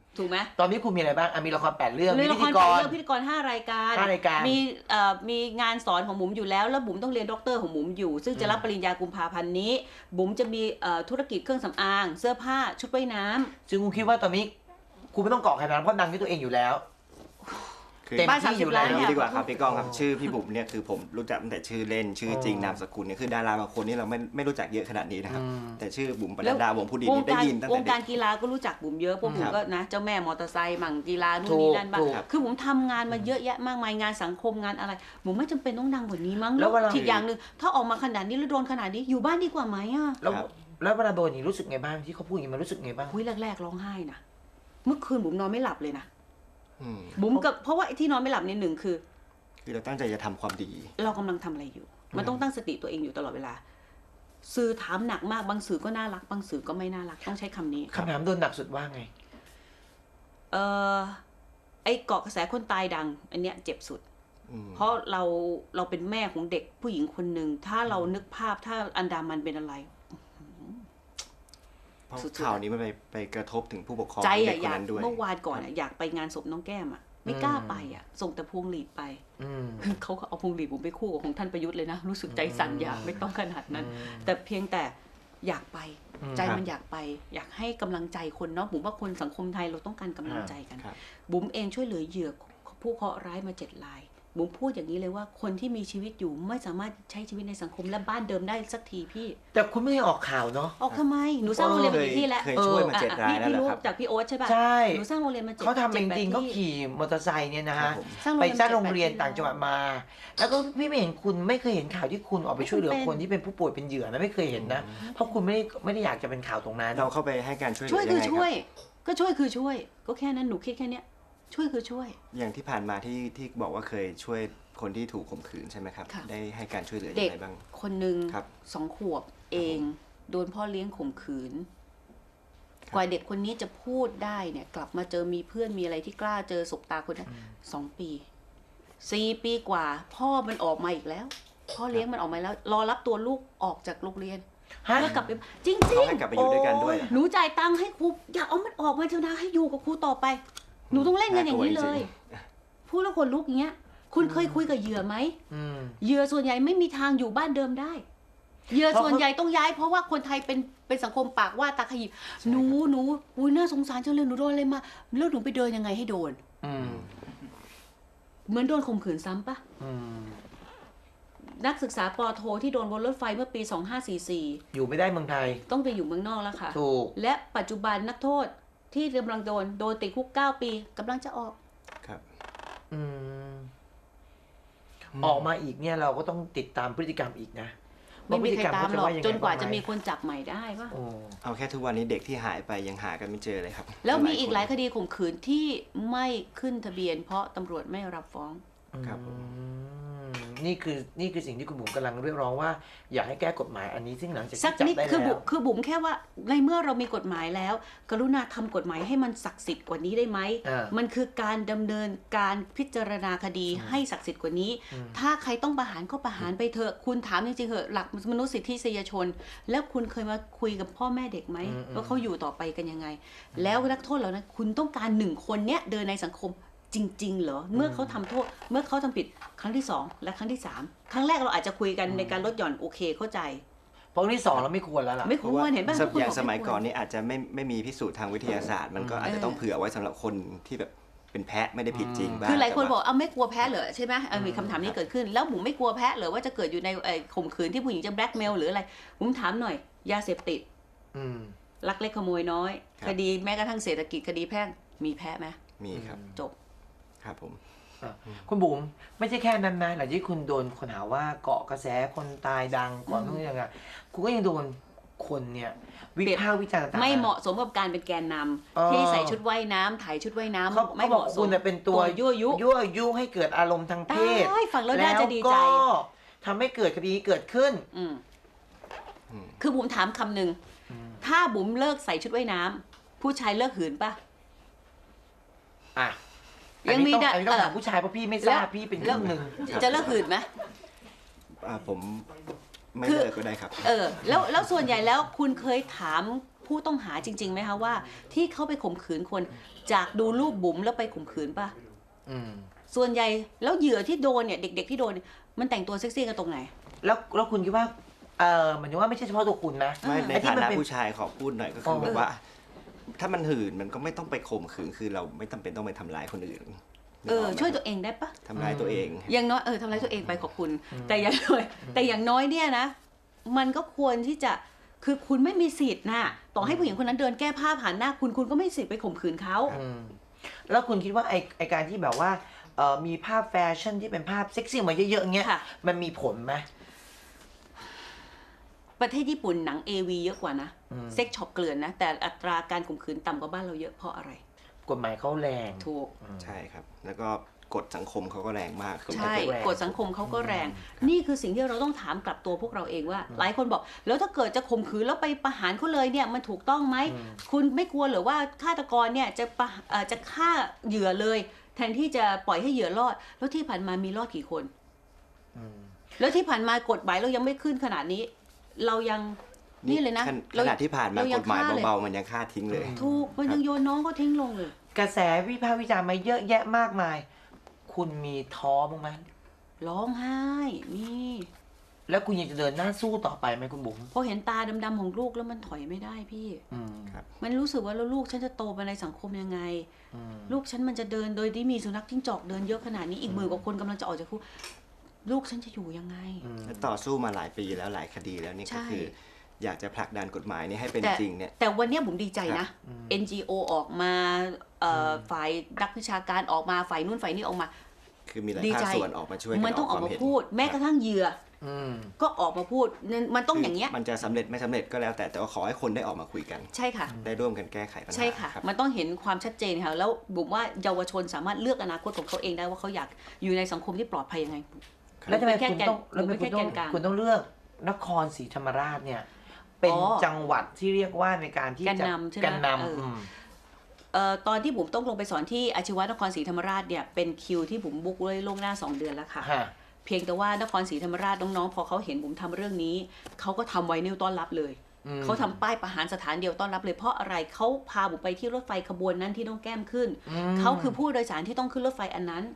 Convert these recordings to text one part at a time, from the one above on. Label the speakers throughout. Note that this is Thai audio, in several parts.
Speaker 1: ถูกไหม
Speaker 2: ตอนนี้คุณมีอะไรบ้างมีละคร8 เรื่อง
Speaker 1: มี
Speaker 2: มี
Speaker 1: ละ
Speaker 2: พิ
Speaker 1: ค
Speaker 2: ธี
Speaker 1: ร
Speaker 2: ก
Speaker 1: 8
Speaker 2: ร
Speaker 1: เรื่องพิธีกร5 รายการ
Speaker 2: 5 รายการ
Speaker 1: มีงานสอนของบุ๋มอยู่แล้วบุ๋มต้องเรียนด็อกเตอร์ของบุ๋มอยู่ซึ่งจะรับปริญญากุมภาพันธ์นี้บุ๋มจะมีธุรกิจเครื่องสำอางเสื้อผ้าชุดว่ายน้ำ
Speaker 2: ซึ่งคุณคิดว่าตอนนี้คุณไม่ต้องเกาะใครนะเพราะดังที่ตัวเองอยู่แล้วเต็ม
Speaker 1: บ้าน
Speaker 2: ที่อยู่
Speaker 1: 30
Speaker 2: แล้
Speaker 1: ล้าน
Speaker 2: ว
Speaker 1: เนี่ย
Speaker 3: ดีกว่าครับพี่ก้องครับชื่อพี่บุ๋มเนี่ยคือผมรู้จักตั้งแต่ชื่อเล่นชื่อจริงนามสกุลเนี่ยคือดาราบางคนนี่เราไม่รู้จักเยอะขนาดนี้นะครับแต่ชื่อบุ๋มปนัดดาวงผู้ดีนี่ได้ยินตั้ง
Speaker 1: ว
Speaker 3: แต่
Speaker 1: ง
Speaker 3: เด็
Speaker 1: การ
Speaker 3: ก
Speaker 1: กีฬาก็รู้จักบุ๋มเยอะพวกบุ๋มก็นะเจ้าแม่มอเตอร์ไซค์มั่งกีฬานู่น
Speaker 2: ถูก
Speaker 1: นี่นั่นบ้าง
Speaker 2: ถูก
Speaker 1: คือบุ๋มทำงานมาเยอะแยะมากมายงานสังคมงานอะไรบุ๋มไม่จำเป็นต้องดังกว่านี้มั้ง
Speaker 2: แล้วเวลา
Speaker 1: อีกอย่างหนึ่งถ้าออกมาขนาดนี้แล้วโดนขนาดนี้อยู่บ้านดีกว่าไหมอ่ะ
Speaker 2: แล้วเวลาโดนอย่างนี้รู้สึกไงบ้างที่เขาพูดอย่างนี้มันรู้สึกไงบ้าง
Speaker 1: คุยแรกๆร้องไห้นะเมื่อคืนบุ๋มนอนไม่หลับเลยนะ
Speaker 3: อืม
Speaker 1: บุ๋มกับเพราะว่าไอ้ที่นอนไม่หลับเนี่ยหนึ่งคือ
Speaker 3: คือเราตั้งใจจะทำความดี
Speaker 1: เรากำลังทำอะไรอยู่ มันต้องตั้งสติตัวเองอยู่ตลอดเวลา สื่อถามหนักมากบางสื่อก็น่ารักบางสื่อก็ไม่น่ารักต้องใช้คำนี้
Speaker 2: คำถามโดนหนักสุดว่าไง
Speaker 1: ไอ้เกาะกระแสคนตายดัง อันเนี้ยเจ็บสุด เพราะเราเป็นแม่ของเด็กผู้หญิงคนหนึ่งถ้าเรานึกภาพถ้าอันดามันเป็นอะไร
Speaker 3: เพราะ
Speaker 1: สุดๆ
Speaker 3: ข่าวนี้มันไปกระทบถึงผู้ปกครอง
Speaker 1: ใจ
Speaker 3: เด็
Speaker 1: อะ
Speaker 3: กค
Speaker 1: อน ยาก
Speaker 3: นั้นด้วย
Speaker 1: เมื่อวานก่อนอะอยากไปงานศพน้องแก้มอะไม่กล้าไปอะส่งแต่พวงหลีดไป เขาก็เอาพวงหลีดผมไปคู่กับของท่านประยุทธ์เลยนะรู้สึกใจสั่นอยากไม่ต้องขนาดนั้น แต่เพียงแต่อยากไปใจมันอยากไป อยากให้กำลังใจคนเนาะบุ๋มว่าคนสังคมไทยเราต้องการกำลังใจกัน
Speaker 3: ครับ
Speaker 1: บุ๋มเองช่วยเหลือเหยื่อผู้เคราะห์ร้ายมา7 รายบุ๋มพูดอย่างนี้เลยว่าคนที่มีชีวิตอยู่ไม่สามารถใช้ชีวิตในสังคมและบ้านเดิมได้สักทีพี่
Speaker 2: แต่คุณไม่ได้ออกข่าวเนาะ
Speaker 1: ออกทำไมหนูสร้างโรงเรียนมากี่ที่แล้ว
Speaker 3: เคยช่วยมา7 รายแล้ว
Speaker 1: พี่
Speaker 3: เหรอ
Speaker 1: รู้
Speaker 3: ครับ
Speaker 1: จากพี่โอ๊ตใช่ป่ะ
Speaker 2: ใช่
Speaker 1: หนูสร้างโรงเรียนมา
Speaker 2: เขาทำเองจริง
Speaker 1: 7-8
Speaker 2: เขา
Speaker 1: ที่
Speaker 2: ขี่มอเตอร์ไซค์เนี่ยนะ
Speaker 3: ครั
Speaker 2: ฮะ
Speaker 3: บผม
Speaker 2: ไปสร้างโรงเรียน
Speaker 1: 7-8
Speaker 2: ต่างจังหวัดมา แล้วก็พี่ไม่เห็นคุณไม่เคยเห็นข่าวที่คุณออกไปช่วยเหลือคนที่เป็นผู้ป่วยเป็นเหยื่อนะไม่เคยเห็นนะเพราะคุณไม่ได้อยากจะเป็นข่าวตรงนั้น
Speaker 3: เราเข้าไปให้การช่วยเหลื
Speaker 1: ช่วย
Speaker 3: อ
Speaker 1: คื
Speaker 3: ยัง
Speaker 1: อ
Speaker 3: ไงค
Speaker 1: ช่วย
Speaker 3: รับ
Speaker 1: ก็ช่วยคือช่วย ก็แค่นั้นหนูคิดแค่เนี้ยช่วยคือช่วย
Speaker 3: อย่างที่ผ่านมาที่บอกว่าเคยช่วยคนที่ถูกข่มขืนใช่ไหมครับ
Speaker 1: ค่ะ
Speaker 3: ได้ให้การช่วยเหลือยั
Speaker 1: เด็
Speaker 3: ง
Speaker 1: ก
Speaker 3: ไงบ้าง
Speaker 1: คนหนึ่ง
Speaker 3: ครับ
Speaker 1: 2 ขวบเองโดนพ่อเลี้ยงข่มขืน
Speaker 3: ครับ
Speaker 1: กว่าเด็กคนนี้จะพูดได้เนี่ย กลับมาเจอมีเพื่อนมีอะไรที่กล้าเจอสบตาคนนั้น2 ปี4 ปีกว่า พ่อมันออกมาอีกแล้ว พ่อเลี้ยงมันออกมาแล้ว รอรับตัวลูกออกจากโรงเรียน
Speaker 2: ฮะ
Speaker 1: เพื่อกลับไปจริง
Speaker 3: เขาให้กลับไปอยู่ด้วยกันด้วย
Speaker 1: ๆหนูจ่ายตังค์ให้ครูอย่าเอามันออกมาเถอะนะให้อยู่กับครูต่อไป หนูต้องเล่นกันอย่างนี้เลย พูดแล้วคนลุกอย่างเงี้ย คุณเคยคุยกับเหยื่อไหม เหยื่อส่วนใหญ่ไม่มีทางอยู่บ้านเดิมได้ เหยื่อส่วนใหญ่ต้องย้ายเพราะว่าคนไทยเป็นสังคมปากว่าตาขยิบหนูอุ้ยน่าสงสารจังเลยหนูโดนอะไรมาแล้วหนูไปเดินยังไงให้โดน เหมือนโดนข่มขืนซ้ำปะนักศึกษาปอโทที่โดนบนรถไฟเมื่อปี 2544
Speaker 2: อยู่ไม่ได้เมืองไทย
Speaker 1: ต้องไปอยู่เมืองนอกแล้วค่ะ
Speaker 2: ถูก
Speaker 1: และปัจจุบันนักโทษที่กำลังโดนติดคุก9 ปีกำลังจะออก
Speaker 3: ครับ
Speaker 2: ออกมาอีกเนี่ยเราก็ต้องติดตามพฤติกรรมอีกนะ
Speaker 1: ไม่มีใครตามหรอก
Speaker 2: ว่พฤติรรเข
Speaker 1: จนกว่าจะมี
Speaker 2: บ้งไห
Speaker 1: คนจับใหม่ได้ปะ
Speaker 2: โอ้
Speaker 3: เอาแค่ทุกวันนี้เด็กที่หายไปยังหากันไม่เจอเลยครับ
Speaker 1: แล้วมีอีกหลาย
Speaker 3: ค
Speaker 1: คน ดีข่มขืนที่ไม่ขึ้นทะเบียน เพราะตำรวจไม่รับฟ้อง
Speaker 3: ครับผม
Speaker 2: นี่คือสิ่งที่คุณบุ๋มกำลังเรียกร้องว่าอยากให้แก้กฎหมายอันนี้ซึ่งหลังจาก
Speaker 1: สัก
Speaker 2: ที่จับ
Speaker 1: นิด
Speaker 2: ได้
Speaker 1: คือ
Speaker 2: แล้ว
Speaker 1: คือบุ๋มแค่ว่าในเมื่อเรามีกฎหมายแล้ว กรุณาทำกฎหมายให้มันศักดิ์สิทธิ์กว่านี้ได้ไหม มันคือการดำเนินการพิจารณาคดีให้ศักดิ์สิทธิ์กว่านี้ ถ้าใครต้องประหารก็ประหารไปเถอะคุณถามจริงๆเหอะหลักมนุษยสิทธิชน แล้วคุณเคยมาคุยกับพ่อแม่เด็กไหมว่าเขาอยู่ต่อไปกันยังไง แล้วนักโทษเหล่านั้นคุณต้องการ1 คนเนี้ยเดินในสังคมจริงๆเหรอเมื่อเขาทำโทษเมื่อเขาทำผิดครั้งที่2และครั้งที่3ครั้งแรกเราอาจจะคุยกันในการลดหย่อนโอเคเข้าใจ
Speaker 2: เพราะที่สองเราไม่ควรแล้วล่ะ
Speaker 1: ไม่
Speaker 3: เพ
Speaker 1: ค
Speaker 3: ราะ
Speaker 1: ว
Speaker 3: ว่าร
Speaker 1: เห็นป่ะ
Speaker 3: อย่างสมัยก่อนนี่อาจจะไม่มีพิสูจน์ทางวิทยาศาสตร์ มันก็อาจจะต้องเผื่อไว้สำหรับคนที่แบบเป็นแพะไม่ได้ผิดจริงบ้าง
Speaker 1: คือหลายคน
Speaker 3: แต่
Speaker 1: บอ
Speaker 3: ว่
Speaker 1: กเอาไม่กลัวแพ้เหรอใช่ไหมมีคำถามนี้เกิดขึ้นแล้วผมไม่กลัวแพ้เหรอว่าจะเกิดอยู่ในข่มขืนที่ผู้หญิงจะแบล็กเมลหรืออะไรผมถามหน่อยยาเสพติดลักเล็กขโมยน้อย คดีแม้กระทั่งเศรษฐกิจคดีแพ่งมีแพ้ไหม
Speaker 3: มีครับ
Speaker 1: จบ
Speaker 3: ครับผม
Speaker 2: คุณบุ๋มไม่ใช่แค่นั้นนะหลังจากที่คุณโดนคนหาว่าเกาะกระแสคนตายดังก่อนทุกอย่างอ่ะคุณก็ยังโดนคนเนี่ยวิพากษ์วิจารณ์ต่างๆ
Speaker 1: ไม่เหมาะสมกับการเป็นแกนนำที่ใส่ชุดว่ายน้ำถ่ายชุดว่ายน้ำ
Speaker 2: เขา
Speaker 1: ไม่
Speaker 2: บ
Speaker 1: เห
Speaker 2: อก
Speaker 1: มาะส
Speaker 2: คุ
Speaker 1: ม
Speaker 2: ณเป็นตัวยั่วยุให้เกิดอารมณ์ทางเพศ
Speaker 1: ได้ฟังแล้วน่าจะดีใจ
Speaker 2: แล้วก็ทำให้เกิดคดีเกิดขึ้น
Speaker 1: คือบุ๋มถามคำหนึ่งถ้าบุ๋มเลิกใส่ชุดว่ายน้ำผู้ชายเลิกหืนป่ะ
Speaker 2: อ่ะ
Speaker 1: ยังมี
Speaker 2: อันนี้ต้องถามผู้ชายเพราะพี่ไม่ทราบพี่เป็นครึ่งหนึ่ง
Speaker 1: จะเลิกหืนไหม
Speaker 3: ผมไม่
Speaker 1: คือ
Speaker 3: เลิกก็ได้ครับ
Speaker 1: แล้วส่วนใหญ่แล้วคุณเคยถามผู้ต้องหาจริงๆไหมคะว่าที่เขาไปข่มขืนคนจากดูรูปบุ๋มแล้วไปข่มขืนป่ะส่วนใหญ่แล้วเหยื่อที่โดนเนี่ยเด็กๆที่โดนมันแต่งตัวเซ็กซี่กันตรงไหน
Speaker 2: แล้วคุณคิดว่าหมายถึงว่าไม่ใช่เฉพาะตัวคุณนะ
Speaker 3: ไม่ในฐานะผู้ชายขอพูดหน่อยก็คือแบบว่า ถ้ามันหื่นมันก็ไม่ต้องไปข่มขืนคือเราไม่จำเป็นต้องไปทำร้ายคนอื่น
Speaker 1: ช่วยตัวเองได้ปะ
Speaker 3: ทำร้ายตัวเอง
Speaker 1: อย่างน้อยทำร้ายตัวเองไปขอบคุณแต่อย่างน้อยเนี่ยนะมันก็ควรที่จะคือคุณไม่มีสิทธิ์นะต่อให้ผู้หญิงคนนั้นเดินแก้ผ้าผ่านหน้าคุณก็ไม่มีสิทธิ์ไปข่มขืนเขา
Speaker 2: แล้วคุณคิดว่าไอการที่แบบว่ามีภาพแฟชั่นที่เป็นภาพเซ็กซี่มาเยอะๆเงี้ยมันมีผลไหม
Speaker 1: ประเทศญี่ปุ่นหนัง AV เยอะกว่านะเซ็กช็อปเกลื่อนนะแต่อัตราการข่มขืนต่ำกว่าบ้านเราเยอะเพราะอะไร
Speaker 2: กฎหมายเขาแรง
Speaker 1: ถูก
Speaker 3: ใช่ครับแล้วก็กฎสังคมเขาก็แรงมาก
Speaker 1: ใช่กฎสังคมเขาก็แรงนี่คือสิ่งที่เราต้องถามกลับตัวพวกเราเองว่าหลายคนบอกแล้วถ้าเกิดจะข่มขืนแล้วไปประหารเขาเลยเนี่ยมันถูกต้องไหมคุณไม่กลัวหรือว่าฆาตกรเนี่ยจะฆ่าเหยื่อเลยแทนที่จะปล่อยให้เหยื่อรอดแล้วที่ผ่านมามีรอดกี่คนแล้วที่ผ่านมากฎหมายเรายังไม่ขึ้นขนาดนี้เรายังนี่เลยนะ
Speaker 3: ขนาดที่ผ่านมากฎหมายเบาๆมันยังฆ่าทิ้งเลย
Speaker 1: ถูกมันยังโยนน้องก็ทิ้งลงเลย
Speaker 2: กระแสวิพากษ์วิจารณ์มาเยอะแยะมากมายคุณมีท้อบ้างไหม
Speaker 1: ร้องไห้มี
Speaker 2: แล้วคุณยังจะเดินหน้าสู้ต่อไปไหมคุณบุ๋ม
Speaker 1: พอเห็นตาดำๆของลูกแล้วมันถอยไม่ได้พี่มันรู้สึกว่าแล้วลูกฉันจะโตไปในสังคมยังไงลูกฉันมันจะเดินโดยที่มีสุนัขจิ้งจอกเดินเยอะขนาดนี้อีก10,000 กว่าคนกำลังจะออกจากคุกลูกฉันจะอยู่ยังไง
Speaker 3: ต่อสู้มาหลายปีแล้วหลายคดีแล้วนี่ก็คืออยากจะผลักดันกฎหมายนี้ให้เป็นจริงเนี่ย
Speaker 1: แต่วันนี้ผมดีใจนะ NGO ออกมาฝ่ายนักวิชาการออกมาฝ่ายนู่นฝ่ายนี้ออกมา
Speaker 3: คือมีหลายภาคส่วนออกมาช่วย
Speaker 1: มันต้องออกมาพูดแม้กระทั่งเหยื่อก็ออกมาพูดมันต้องอย่างเงี้ย
Speaker 3: มันจะสำเร็จไม่สำเร็จก็แล้วแต่ว่าขอให้คนได้ออกมาคุยกัน
Speaker 1: ใช่ค่ะ
Speaker 3: ได้ร่วมกันแก้ไขปัญหา
Speaker 1: ใช่ค่ะมันต้องเห็นความชัดเจนค่ะแล้วบุ๋มว่าเยาวชนสามารถเลือกอนาคตของเขาเองได้ว่าเขาอยากอยู่ในสังคมที่ปลอดภัยยังไง
Speaker 2: แล้วทำไมคุณต้องเลือกนครศรีธรรมราชเนี่ยเป็นจังหวัดที่เรียกว่าในการที่จะกันน
Speaker 1: ำตอนที่บุ๋มต้องลงไปสอนที่อาชีวะนครศรีธรรมราชเนี่ยเป็นคิวที่บุ๋มบุ๊กไว้ล่วงหน้า2 เดือนแล้วค่ะเพียงแต่ว่านครศรีธรรมราชน้องๆพอเขาเห็นบุ๋มทำเรื่องนี้เขาก็ทำไวนิลต้อนรับเลยเขาทำป้ายประหารสถานเดียวต้อนรับเลยเพราะอะไรเขาพาบุ๋มไปที่รถไฟขบวนนั้นที่ต้องแก้มขึ้นเขาคือผู้โดยสารที่ต้องขึ้นรถไฟอันนั้น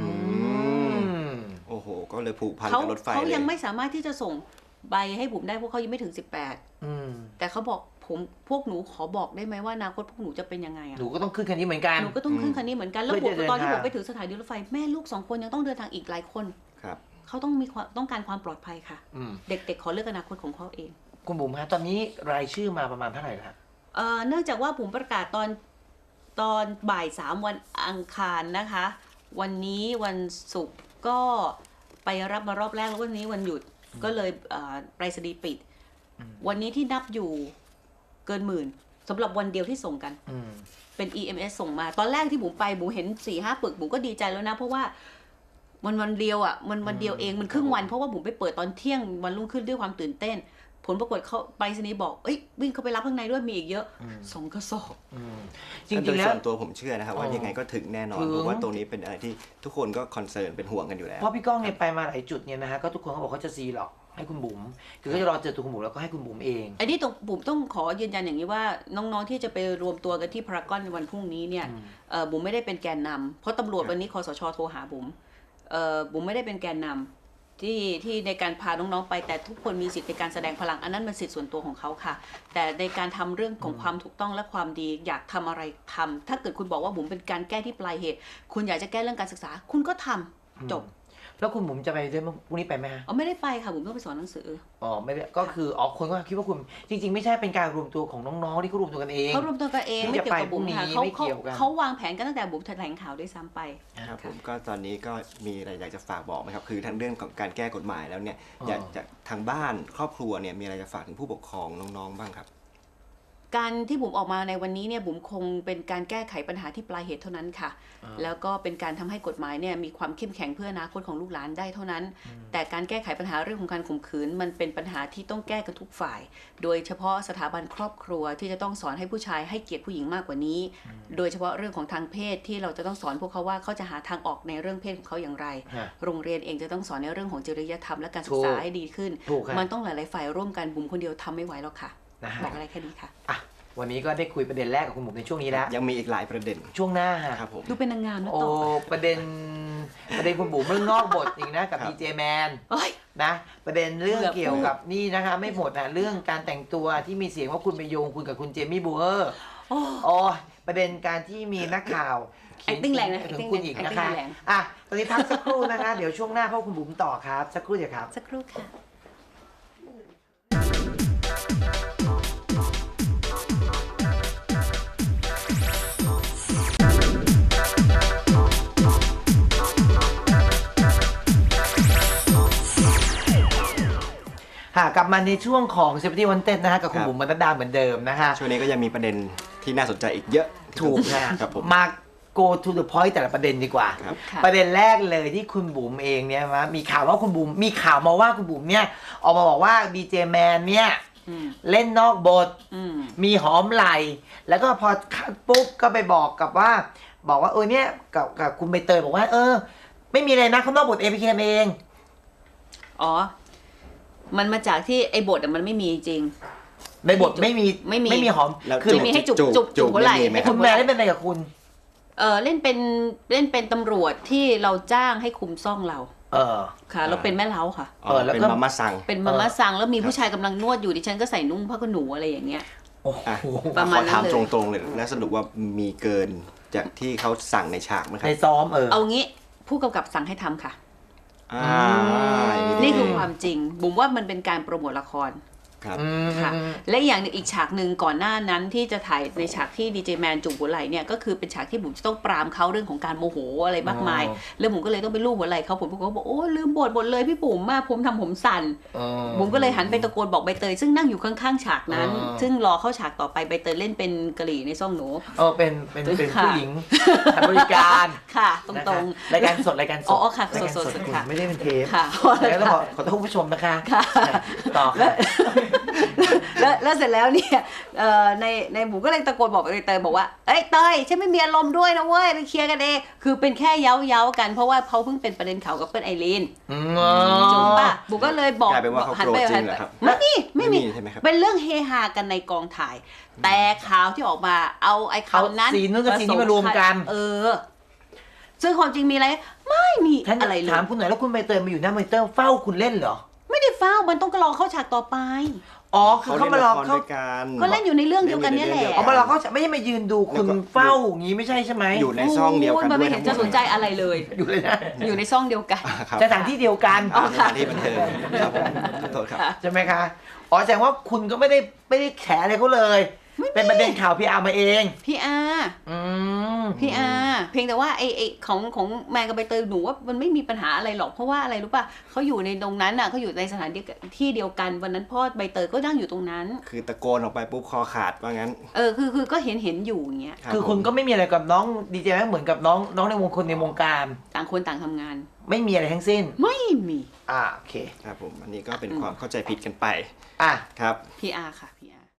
Speaker 3: โอ้โหก็เลยผูกพันกับรถไฟ
Speaker 1: เขายังไม่สามารถที่จะส่งใบให้บุ๋มได้เพราะเขายังไม่ถึง18แต่เขาบอกพวกหนูขอบอกได้ไหมว่าอนาคตพวกหนูจะเป็นยังไง
Speaker 2: หนูก็ต้องขึ้นคันนี้เหมือนกัน
Speaker 1: หนูก็ต้องขึ้นคันนี้เหมือนกันแล้วตอนที่ผมไปถึงสถานีรถไฟแม่ลูก2 คนยังต้องเดินทางอีกหลายคนเขาต้องการความปลอดภัยค่ะเด็กๆขอเลือกอนาคตของเขาเอง
Speaker 2: คุณบุ๋มฮะตอนนี้รายชื่อมาประมาณเท่าไหร่ละ
Speaker 1: เนื่องจากว่าบุ๋มประกาศตอนบ่าย3วันอังคารนะคะวันนี้วันศุกร์ก็ไปรับมารอบแรกแล้ววันนี้วันหยุดก็เลยไปรษณีย์ปิดวันนี้ที่นับอยู่เกิน10,000สำหรับวันเดียวที่ส่งกันเป็น EMS ส่งมาตอนแรกที่บุ๋มไปบุ๋มเห็น 4-5 ปึกบุ๋มก็ดีใจแล้วนะเพราะว่าวันเดียวอ่ะวันเดียวเองมันครึ่งวันเพราะว่าบุ๋มไปเปิดตอนเที่ยงวันรุ่งขึ้นด้วยความตื่นเต้นผลปรากฏเขาไปรษณีย์บอกวิ่งเข้าไปรับข้างในด้วยมีอีกเยอะ2 กระสอบ
Speaker 3: จริงๆแล้วส่วนตัวผมเชื่อนะครับว่ายังไงก็ถึงแน่นอนเพราะว่าตรงนี้เป็นอะไรที่ทุกคนก็คอนเซิร์นเป็นห่วงกันอยู่แล้ว
Speaker 2: เพราะพี่ก้องเนี่ยไปมาหลายจุดเนี่ยนะฮะก็ทุกคนเขาบอกเขาจะซีหรอกให้คุณบุ๋มคือเขาจะรอเจอตัวคุณบุ๋มแล้วก็ให้คุณบุ๋มเอง
Speaker 1: อันนี้ตรงบุ๋มต้องขอยืนยันอย่างนี้ว่าน้องๆที่จะไปรวมตัวกันที่พารากอนในวันพรุ่งนี้เนี่ยบุ๋มไม่ได้เป็นแกนนำเพราะตำรวจวันนี้คสช.โทรหาบุ๋มไม่ได้เป็นแกนนำที่ในการพาน้องๆไปแต่ทุกคนมีสิทธิในการแสดงพลังอันนั้นเป็นสิทธิส่วนตัวของเขาค่ะแต่ในการทำเรื่องของความถูกต้องและความดีอยากทำอะไรทำถ้าเกิดคุณบอกว่าบุ๋มเป็นการแก้ที่ปลายเหตุคุณอยากจะแก้เรื่องการศึกษาคุณก็ทำจบ
Speaker 2: แล้วคุณบุ๋มจะไปด้วยพรุ่งนี้ไปไหมฮะ
Speaker 1: ไม่ได้ไปค่ะบุ๋มต้องไปสอนหนังสือ
Speaker 2: ไม่ได้ก็คือคนก็คิดว่าคุณจริงๆไม่ใช่เป็นการรวมตัวของน้องๆที่เขารวมตัวกันเอง
Speaker 1: เขารวมตัวกันเองไม่เกี่ยวกับบุ๋มค่ะเขาวางแผนกันตั้งแต่บุ๋มแถลงข่าวด้วยซ้ำไป
Speaker 3: ครับผมก็ตอนนี้ก็มีอะไรอยากจะฝากบอกไหมครับคือทั้งเรื่องของการแก้กฎหมายแล้วเนี่ยอยากจะทางบ้านครอบครัวเนี่ยมีอะไรจะฝากถึงผู้ปกครองน้องๆบ้างครับ
Speaker 1: การที่บุ๋มออกมาในวันนี้เนี่ยบุ๋มคงเป็นการแก้ไขปัญหาที่ปลายเหตุเท่านั้นค่ะแล้วก็เป็นการทำให้กฎหมายเนี่ยมีความเข้มแข็งเพื่ออนาคตของลูกหลานได้เท่านั้นแต่การแก้ไขปัญหาเรื่องของการข่มขืนมันเป็นปัญหาที่ต้องแก้กันทุกฝ่ายโดยเฉพาะสถาบันครอบครัวที่จะต้องสอนให้ผู้ชายให้เกียรติผู้หญิงมากกว่านี้โดยเฉพาะเรื่องของทางเพศที่เราจะต้องสอนพวกเขาว่าเขาจะหาทางออกในเรื่องเพศของเขาอย่างไรโรงเรียนเองจะต้องสอนในเรื่องของจริยธรรมและการศึกษาให้ดีขึ้นมันต้องหลายๆฝ่ายร่วมกันบุ๋มคนเดียวทำไม่ไหวหรอกค่ะบอกอะไรแค่นี้ค่ะ
Speaker 2: วันนี้ก็ได้คุยประเด็นแรกกับคุณบุ๋มในช่วงนี้แล้ว
Speaker 3: ยังมีอีกหลายประเด็น
Speaker 2: ช่วงหน้า
Speaker 3: ครับผม
Speaker 1: ดูเป็นนางงามนะ
Speaker 2: โอ้
Speaker 1: ต่อ
Speaker 2: ประเด็นคุณบุ๋มเรื่องนอกบทอีกนะกับดีเจแมน
Speaker 1: เอ้ย
Speaker 2: นะประเด็นเรื่อง
Speaker 1: เกือบ
Speaker 2: เกี่ยวกับนี่นะคะไม่หมดนะเรื่องการแต่งตัวที่มีเสียงว่าคุณไปโยงคุณกับคุณเจมี่บูเออร์
Speaker 1: โอ้
Speaker 2: อ๋อประเด็นการที่มีนักข่าว
Speaker 1: acting แรงนะ
Speaker 2: ถึง
Speaker 1: acting
Speaker 2: คุณอีกนะคะ
Speaker 1: acting แรง
Speaker 2: อ่ะตอนนี้พักสักครู่นะคะ เดี๋ยวช่วงหน้าพบคุณบุ๋มต่อครับสักครู่เดียวครับ
Speaker 1: สักครู่ค่ะ
Speaker 2: กลับมาในช่วงของเซฟตี้วันเต็ดนะฮะกับคุณบุ๋มบรรดาเหมือนเดิมนะคะ
Speaker 3: ช่วงนี้ก็ยังมีประเด็นที่น่าสนใจอีกเยอะ
Speaker 2: ถูกนะ
Speaker 3: ครับผม
Speaker 2: มา go to the point แต่ละประเด็นดีกว่า
Speaker 3: ครับ
Speaker 1: ค่ะ
Speaker 2: ประเด็นแรกเลยที่คุณบุ๋มเองเนี่ยนะมีข่าวว่าคุณบุ๋มมีข่าวมาว่าคุณบุ๋มเนี่ยออกมาบอกว่าดีเจแมนเนี่ย
Speaker 1: อืม
Speaker 2: เล่นนอกบท
Speaker 1: อืม
Speaker 2: มีหอมไหลแล้วก็พอคัดปุ๊บก็ไปบอกว่าเนี่ยกับคุณใบเตยบอกว่าไม่มีอะไรนะเขานอกบทAPKเอง
Speaker 1: อ๋อ มันมาจากที่ไอ้บทอะมันไม่มีจริง
Speaker 2: ในบทไม่มี
Speaker 1: ไม่มี
Speaker 2: หอม
Speaker 3: แล้ว
Speaker 2: คือ
Speaker 1: ไม่มีให้จุบหัวไหล่
Speaker 3: ไม่มีไหม
Speaker 2: คุณแม่ได้เป็นอะไรกับคุณ
Speaker 1: เล่นเป็นตำรวจที่เราจ้างให้คุมซ่องเรา ค่ะ เราเป็นแม่เล้าค่ะ
Speaker 2: แล้วก็
Speaker 3: เป็นมาม่าสั่ง
Speaker 1: เป็นมาม่าสั่งแล้วมีผู้ชายกำลังนวดอยู่ดิฉันก็ใส่นุ่งผ้าขนหนูอะไรอย่างเงี้ย
Speaker 2: โอ้โห
Speaker 3: อ่ะ
Speaker 1: ประมาณ
Speaker 3: ขอถาม
Speaker 1: นั้นเลย
Speaker 3: ตรงๆเลยแล้วสรุปว่ามีเกินจากที่เขาสั่งในฉากไหมครั
Speaker 2: ใน
Speaker 3: บ
Speaker 2: ซ้อม
Speaker 1: เอางี้ผู้กำกับสั่งให้ทำค่ะ
Speaker 3: อ่า
Speaker 1: นี่คือความจริงบุ๋มว่ามันเป็นการโปรโมทละคร
Speaker 3: ครับ
Speaker 1: ค่ะและอย่างหนึ่งอีกฉากหนึ่งก่อนหน้านั้นที่จะถ่ายในฉากที่ดีเจแมนจุกหัวไหล่เนี่ยก็คือเป็นฉากที่บุ๋มจะต้องปรามเขาเรื่องของการโมโหอะไรมากมาย แล้วบุ๋มก็เลยต้องไปลูบหัวไหล่เขาผมก็บอกโอ้ลืมบทหมดเลยพี่บุ๋มมาผมทำผมสั่นบุ๋มก็เลยหันไปตะโกนบอกใบเตยซึ่งนั่งอยู่ข้างๆฉากนั้น ซึ่งรอเข้าฉากต่อไปใบเตยเล่นเป็นกะหรี่ในซ่องหนู
Speaker 2: เป็น
Speaker 1: ค่ะ
Speaker 2: ผู้หญิงทำบริการ
Speaker 1: ค่ะตรง
Speaker 2: รายการสด
Speaker 1: อ๋อค่ะ
Speaker 2: รายการ
Speaker 1: สดๆ
Speaker 2: คุณ
Speaker 1: ค่ะ
Speaker 2: ไม่ได้เป็นเทป
Speaker 1: ๆค่ะ
Speaker 2: แล้วต้องขอโทษผู้ชมนะคะ
Speaker 1: ค่ะ
Speaker 2: ต่อ
Speaker 1: แล้
Speaker 2: ค่ะ
Speaker 1: วแล้วเสร็จแล้วเนี่ยในหมูก็เลยตะโกนบอกไปเตยบอกว่าเอ้ยเตยฉันไม่มีอารมณ์ด้วยนะเว้ยไปเคลียร์กันเองคือเป็นแค่เย้ากันเพราะว่าเขาเพิ่งเป็นประเด็นข่าวกับเปิ้ลไอรีนจบป่ะบุกก็เลยบอก
Speaker 3: กลายเป็นว่าเขา
Speaker 1: หัน
Speaker 3: โกร
Speaker 1: ไป
Speaker 3: ธจริงเหรอครับ
Speaker 1: ไม่มี
Speaker 3: ใช่ไหมครับ
Speaker 1: เป็นเรื่องเฮฮากันในกองถ่าย แต่ข่าวที่ออกมาเอาไอ้ข่าวนั้น
Speaker 2: เอาซีนนู้นกับซีนนี้มารวมกัน
Speaker 1: ซึ่งความจริงมีอะไรไม่มี
Speaker 2: ท่าน
Speaker 1: อะไรเลย
Speaker 2: ถามคุณหน่อยแล้วคุณใบเตยมาอยู่หน้ามอนิเตอร์เฝ้าคุณเล่นเหรอ
Speaker 1: ไม่ได้เฝ้ามันต้องรอเข้าฉากต่อไป
Speaker 2: อ๋อคือเขามารอ
Speaker 3: เขา
Speaker 2: เขา
Speaker 3: ด้วยกัน
Speaker 1: ก็เล่นอยู่ในเรื่องเดียวกันเนี่ยแหละ
Speaker 2: เอามารอเขาไม่ใช่มายืนดูคุณเฝ้าอย่างนี้ไม่ใช่ใช่ไหม
Speaker 3: อยู่ในซ่องเดียวกัน
Speaker 1: โอ้มัน
Speaker 3: ด้ว
Speaker 1: ไม่
Speaker 3: ย
Speaker 1: เห็
Speaker 3: ทั้
Speaker 1: น
Speaker 3: งหม
Speaker 1: จะ
Speaker 3: ด
Speaker 1: สนใจอะไรเลย
Speaker 2: อยู่เลยนะ
Speaker 1: อยู่ในซ่องเดียวกัน
Speaker 3: ครับ
Speaker 2: สถานที่เดียวกัน
Speaker 3: สถานที่บันเทิงครับผมขอโทษครับ
Speaker 2: ใช่ไหมคะอ๋อแสดงว่าคุณก็ไม่ได้แฉอะไรเขาเลย เป็นประเด็นข่าวพี่อาร์มาเอง
Speaker 1: พี่อาเพียงแต่ว่าไอของแมนกับใบเตยหนูว่ามันไม่มีปัญหาอะไรหรอกเพราะว่าอะไรรู้ป่ะเขาอยู่ในตรงนั้นน่ะเขาอยู่ในสถานที่เดียวกันวันนั้นพ่อใบเตยก็นั่งอยู่ตรงนั้น
Speaker 3: คือตะโกนออกไปปุ๊บคอขาดว่างั้น
Speaker 1: คือก็เห็นอยู่อย่างเงี้ย
Speaker 2: คือคุณก็ไม่มีอะไรกับน้องดีเจแม็กเหมือนกับน้องในวงคนในวงการ
Speaker 1: ต่างคนต่างทำงาน
Speaker 2: ไม่มีอะไรทั้งสิ้น
Speaker 1: ไม่มี
Speaker 2: โอเค
Speaker 3: ครับผมอันนี้ก็เป็นความเข้าใจผิดกันไป
Speaker 2: อ่ะ
Speaker 3: ครับ
Speaker 1: พี่อาค่ะพี่อา